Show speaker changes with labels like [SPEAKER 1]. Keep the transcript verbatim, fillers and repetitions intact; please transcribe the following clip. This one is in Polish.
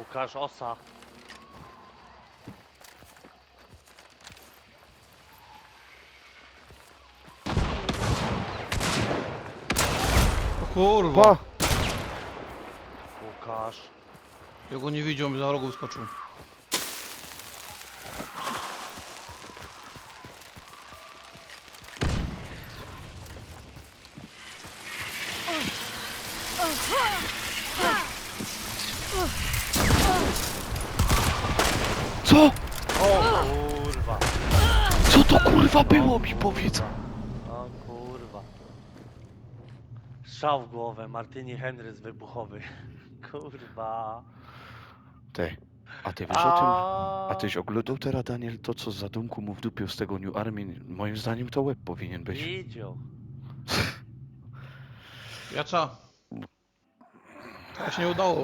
[SPEAKER 1] Łukasz, osa.
[SPEAKER 2] O kurwa!
[SPEAKER 3] Pa!
[SPEAKER 1] Łukasz.
[SPEAKER 2] Ja go nie widział, mi za rogu skoczył.
[SPEAKER 3] Co?
[SPEAKER 1] O kurwa.
[SPEAKER 3] Co to kurwa było mi powiedz?
[SPEAKER 1] O kurwa. Strzał w głowę, Martini Henrys wybuchowy. Kurwa.
[SPEAKER 3] Ty, a ty wiesz o tym?
[SPEAKER 1] A
[SPEAKER 3] A tyś oglądał teraz, Daniel, to co z zadumku mu wdupił z tego New Army? Moim zdaniem to łeb powinien być.
[SPEAKER 1] widział.
[SPEAKER 2] Jacza. To się nie udało.